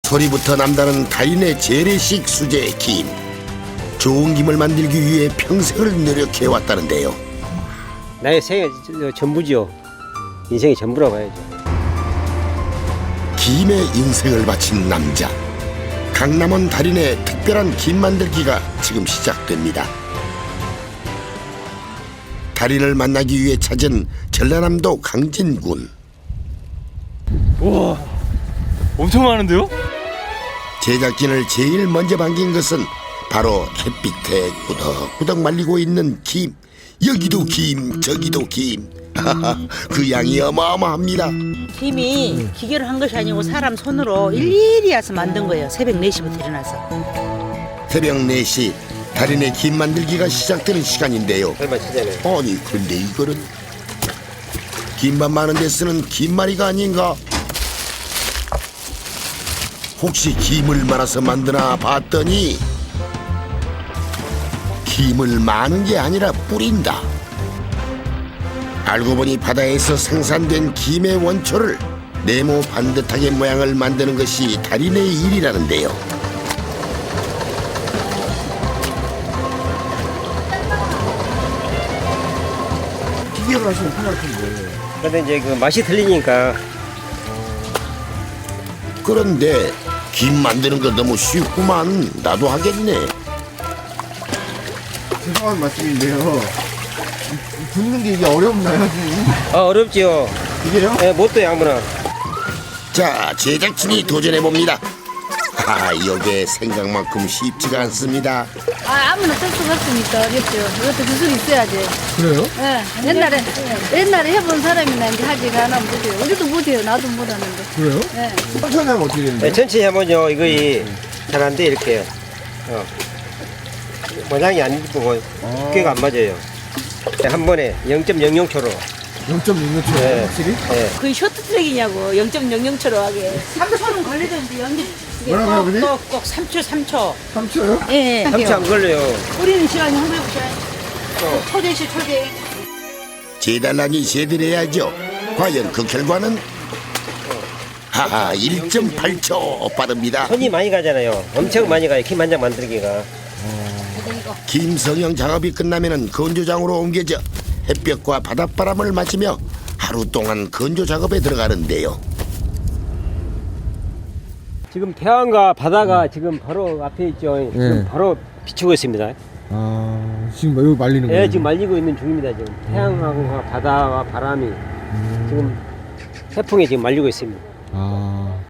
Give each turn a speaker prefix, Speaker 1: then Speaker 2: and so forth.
Speaker 1: 소리부터 남다른 달인의 재래식 수제 김. 좋은 김을 만들기 위해 평생을 노력해왔다는데요.
Speaker 2: 나의 생애 전부지요. 인생이 전부라고 봐야죠.
Speaker 1: 김에 인생을 바친 남자. 강남원 달인의 특별한 김 만들기가 지금 시작됩니다. 달인을 만나기 위해 찾은 전라남도 강진군.
Speaker 3: 우와, 엄청 많은데요?
Speaker 1: 제작진을 제일 먼저 반긴 것은 바로 햇빛에 꾸덕꾸덕 말리고 있는 김. 여기도 김, 저기도 김. 그 양이 어마어마합니다.
Speaker 4: 김이 기계로 한 것이 아니고 사람 손으로 일일이 해서 만든 거예요. 새벽 4시부터 일어나서.
Speaker 1: 새벽 4시 달인의 김 만들기가 시작되는 시간인데요.
Speaker 2: 얼마 치잖아요.
Speaker 1: 아니 그런데 이거는 김밥 많은 데 쓰는 김말이가 아닌가? 혹시 김을 말아서 만드나 봤더니 김을 마는 게 아니라 뿌린다. 알고 보니 바다에서 생산된 김의 원초를 네모 반듯하게 모양을 만드는 것이 달인의 일이라는데요.
Speaker 5: 기계로 하시면 편할 텐데.
Speaker 2: 그런데 이제 그 맛이 틀리니까.
Speaker 1: 그런데 김 만드는 거 너무 쉽구만. 나도 하겠네.
Speaker 5: 죄송한 말씀인데요. 붓는 게 이게 어렵나요, 선생님?
Speaker 2: 어렵지요.
Speaker 5: 이게요?
Speaker 2: 예, 못도 아무나.
Speaker 1: 자, 제작진이 도전해봅니다. 이게 생각만큼 쉽지가 않습니다.
Speaker 6: 아무나 쓸 수가 없으니까 어렵죠. 이것도 기술이 있어야지.
Speaker 5: 그래요?
Speaker 6: 예, 옛날에 해본 사람이나 이제 하지 않으면 못해요. 우리도 못해요. 나도 못하는데.
Speaker 5: 그래요?
Speaker 6: 예.
Speaker 5: 천천히 하면 어떻게 되는데?
Speaker 2: 예, 천천히 하면요, 이거 잘 안 돼, 이렇게. 모양이 안 이쁘고, 두께가 안 맞아요. 한 번에 0.00초로.
Speaker 5: 0.6초
Speaker 2: 네.
Speaker 5: 확실히?
Speaker 2: 예.
Speaker 4: 거의 쇼트트랙이냐고 0.00초로 하게. 3초는 걸리던데 연기.
Speaker 5: 뭐라고요, 아버님?
Speaker 4: 꼭 3초.
Speaker 5: 3초요?
Speaker 4: 예.
Speaker 2: 삼초 안 걸려요.
Speaker 4: 우리는 시간이 한번 해보자. 초대시 초대.
Speaker 1: 재달라니 제대로해야죠. 과연 그 결과는? 1.8초 빠릅니다.
Speaker 2: 손이 많이 가잖아요. 엄청 많이 가요. 김 한 장 만들기가.
Speaker 1: 김성형 작업이 끝나면 건조장으로 옮겨져 햇볕과 바닷바람을 맞으며 하루 동안 건조 작업에 들어가는데요.
Speaker 2: 지금 태양과 바다가 지금 바로 앞에 있죠. 지금 바로 비추고 있습니다.
Speaker 5: 지금 여기 말리는 거예요?
Speaker 2: 예, 지금 말리고 있는 중입니다. 지금 태양과 바다와 바람이 지금 태풍에 지금 말리고 있습니다.